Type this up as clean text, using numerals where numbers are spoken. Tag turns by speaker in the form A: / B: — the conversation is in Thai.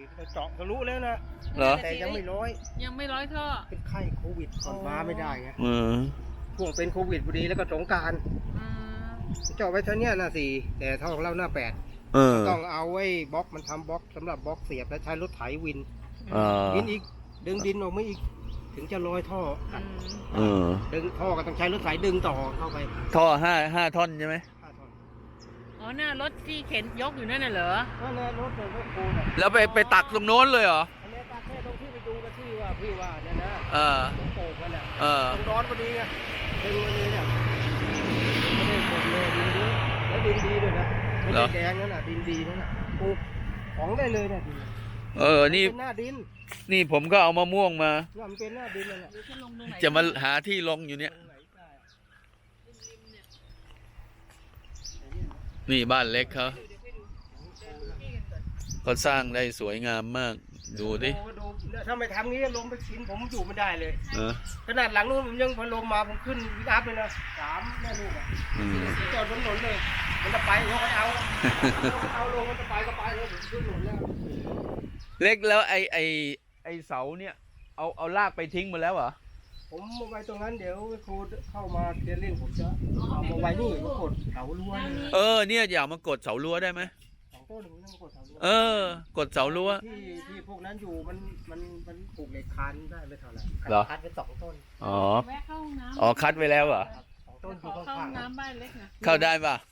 A: ฉีดไปเจาะทะลุแล้วนะ
B: เหรอ
A: แต่ยังไม่ร้อย
C: ยังไม่ร้อยท่อ
A: เป็นไข้โควิดก่อนมาไม่ได้ไง
B: อืม
A: ช่วงเป็นโควิดพอดีแล้วก็สงกรานต์
C: อืม
A: เจาะไว้เท่านี้หน้าสี่แต่เท่าของเราหน้าแปด
B: เออ
A: ต้องเอาไว้บล็อกมันทำบล็อกสำหรับบล็อกเสียบแล้วใช้รถไถวิน
B: เออ
A: วินอีกดึงดินออกมาอีกถึงจะลอยท่อ
C: อืม
B: เออ
A: ดึงท่อก็ต้องใช้รถไถดึงต่อเข้าไป
B: ท่อห้าท่อนใช่ไหม
A: 5 ท่อน
C: อ๋อหน้ารถที่เข็นยกอยู่นั่นน่ะเหรอ
A: นั่นแหละรถรถโคน่ะ
B: แล้วไปตักตรงโน้นเลยเหรอ
A: อันนี้ตาแค่ตรงที่ไปดูกันที่ว่าพี่ว่าเนี่ยนะ
B: เออ
A: ตรงโป่งมันอ่ะ
B: เออ
A: ตรงร้อนพอดีไงดึงมาเลยเนี่ยไม่ได้หมดเลยดินเยอะแล้วดินดีด้วยนะไม่
B: เหร
A: ได้
B: อ
A: แดงนั่นน่ะดินดีนั่นน่ะปลูกของได้เลยเนี่ยดิน
B: เออ นี่
A: เป็นหน้าดิน
B: นี่ผมก็เอามะม่วงมา
A: เนี่ยมันเป็นหน้าดินนั่นแหละ
C: เดี๋ยวจะลงตรงไหน
B: จะมาหาที่ลงอยู่เนี่ย
A: ตรงไหนได้
B: นี่บ้านเล็กเขาเขาสร้างได้สวยงามมาก ดูดิ
A: โอ้ดูถ้าไม่ทำงี้ลงไปชินผมอยู่ไม่ได้เลย
B: เออ
A: ขนาดหลังนู้นผมยังพอลงมาผมขึ้นวิกอัพเลยนะ3 แม่ลูกอ่ะ
B: อืม
A: จอดบนถนนเลย มันจะไปเขาก็เอาเอาลงมันจะไปก็ไปเลยผมขึ้นถนนแล้ว
B: เล็กแล้วไอเสาเนี่ย เอาลากไปทิ้งหมดแล้วเหรอ
A: ผมมาไว้ตรงนั้นเดี๋ยวครูเข้ามาเคลียร์เล่นผมจะเอามาไว้นี่มากดเสารั้วนี่
B: เออ เนี่ยอยากมากดเสารั้วได้ไหม
A: 2 ต้นผมต้องมากดเสารั้ว
B: เออ กดเสารั้ว
A: ที่พวกนั้นอยู่มันปลูกเหล็กคานได้ไม่เท่าไหร่
B: เหรอ
A: คัดไป2 ต้น
B: อ๋อ
C: แวะเข้าห้องน้ำ
B: คัดไว้แล้วเหรอ
A: ครับ2 ต้นอยู่
C: ขอเข้า
A: ข้า
C: ห้อง ง
A: ๆ
C: น้ำบ้านเล็กนะ
B: เข้าได้ป่ะ